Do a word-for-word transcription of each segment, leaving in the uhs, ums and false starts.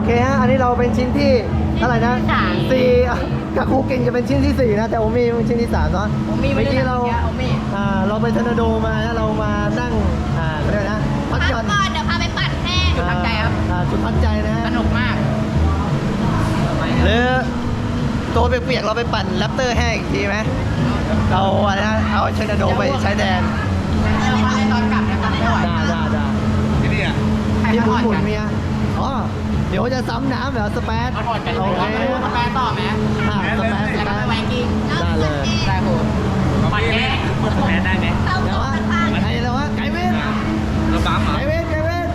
เคฮะอันนี้เราเป็นชิ้นที่เท่าไหร่นะสี่กับครูกินจะเป็นชิ้นที่สี่นะแต่โอมี่เป็นชิ้นที่สามเนาะเมื่อกี้เราอ่าเราไปทอร์นาโดมานะเรามานั่งอ่าเรียกนะพักหย่อนก่อนเดี๋ยวพาไปปั่นแห้งจุดพักใจครับจุดพักใจนะฮะสนุกมากหรือตัวเปียกๆเราไปปั่นแรปเตอร์แห้งอีกทีไหมเอาอะไรนะเอาทอร์นาโดไปใช้แดนเราพาไปตอนกลับนะครับไม่ไหวได้ได้ได้ที่นี่อ่ะที่หมุนหมุนเมียอ๋อเดี๋ยวจะซ้ำน้ำเหรอสเปซเอาถอดกันโอเคสแปรต่อไหมอ่าสเปซสแล้วเปก็ไปซไวกิ้งได้เลยได้โหปั่นแห้งแพ้ได้ไหมเดี๋ยวว่าไอ้แล้วว่าไก่เว้นเราปั๊มเหรอไก่เว้นไก่เว้น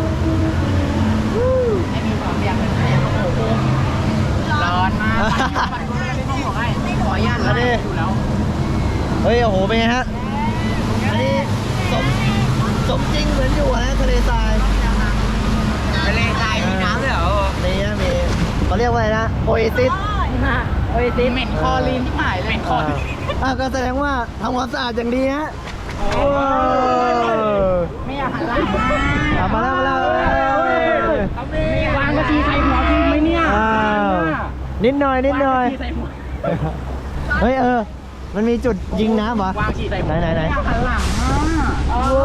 ให้มีความเรียบเป็นแห้งโอ้โหร้อนมากปั่นกูไม่ได้ไม่บอกให้ขออนุญาตแล้วดูแล้วเฮ้ยโอ้โหเป็นไงฮะอันนี้สมสมจริงเหมือนอยู่นะทะเลทรายทะเลทรายมีน้ำด้วยเหรอมีนะมีเขาเรียกว่าอะไรนะโอเอซิสโอ้ยตีเหม็นคอลีนที่หายเลยเหม็นคอลีนอ่าก็แสดงว่าทำความสะอาดอย่างดีฮะไม่อยากหันหลังอ่ะมาแล้วมาแล้ววางกะทิใส่หัวพี่ไหมเนี่ยอ้าวนิดหน่อยนิดหน่อยใส่หัวเฮ้ยเออ มันมีจุดยิงน้ำเหรอวางฉี่ใส่หัไหนวไหนไหนหันหลังอ่ะโอ้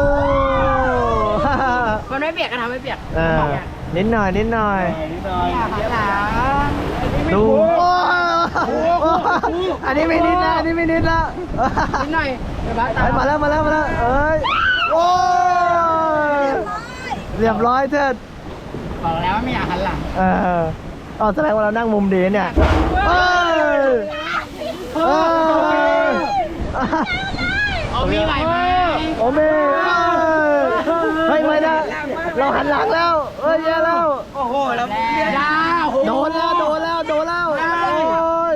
มันไม่เปียกก็ทำไม่เปียกเออนิดหน่อยนิดหน่อยอยากหันหลังดูโอ้อันนี้ไม่นิดนะอันนี้ไม่นิดละนิดหน่อยเดี๋ยวบ้าตาเฮ้ยมาแล้วมาแล้วมาแล้วเอ้ยโอ้ยเรียบร้อยเถิดบอกแล้วว่าไม่อยากหันหลังเอออ๋อแสดงว่าเรานั่งมุมดีเนี่ยเอ้ยเอ้ยเอามีไหวไหมโอเม่เฮ้ยไม่ได้เราหันหลังแล้วเฮ้ยแย่แล้วโอ้โหแล้วยาโดนแล้วโดนแล้วโดนแล้วโอ้ย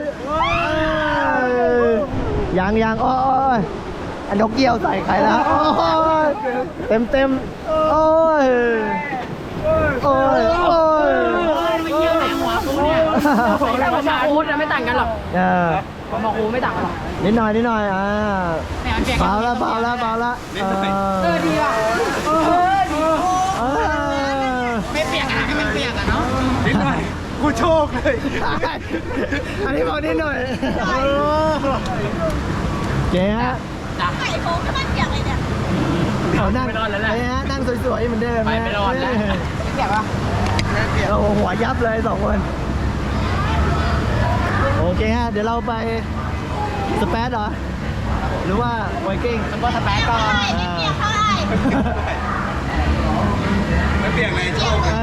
ยังยังโอ้ยอันนกเกี้ยวใส่ใครแล้วโอ้ยเต็มเต็มโอ้ยโอ้ยโอ้ยไม่เยี่ยวไหนหัวกูเนี่ยแต่ว่ามาอูดไม่ต่างกันหรอกเออมาอูไม่ต่างกันหรอกนิดหน่อยนิดหน่อยอ่าแต่มันเปียกเบาแล้วเบาแล้วเบาแล้วเอเออดีว่ะเออดีเออไม่เปียกอะให้มันเปียกอะเนาะนิดหน่อยกูโชคเลยอันนี้บอกนิดหน่อยเจ๊ฮะจ้ะไข่โค้งที่มันเปียกเลยเนี่ยเขานั่งไม่รอดแล้วแหละเจ๊ฮะนั่งสวยๆเหมือนเดิมไปไม่รอดแล้วเปียกปะโอ้โหหัวยับเลยสองคนโอเคฮะเดี๋ยวเราไปสเปซเหรอหรือว่าไวกิ้งซุปเปอร์สเปซก่อนไม่เปียกเท่าไหร่ไม่เปลี่ยนเลยโชคเอ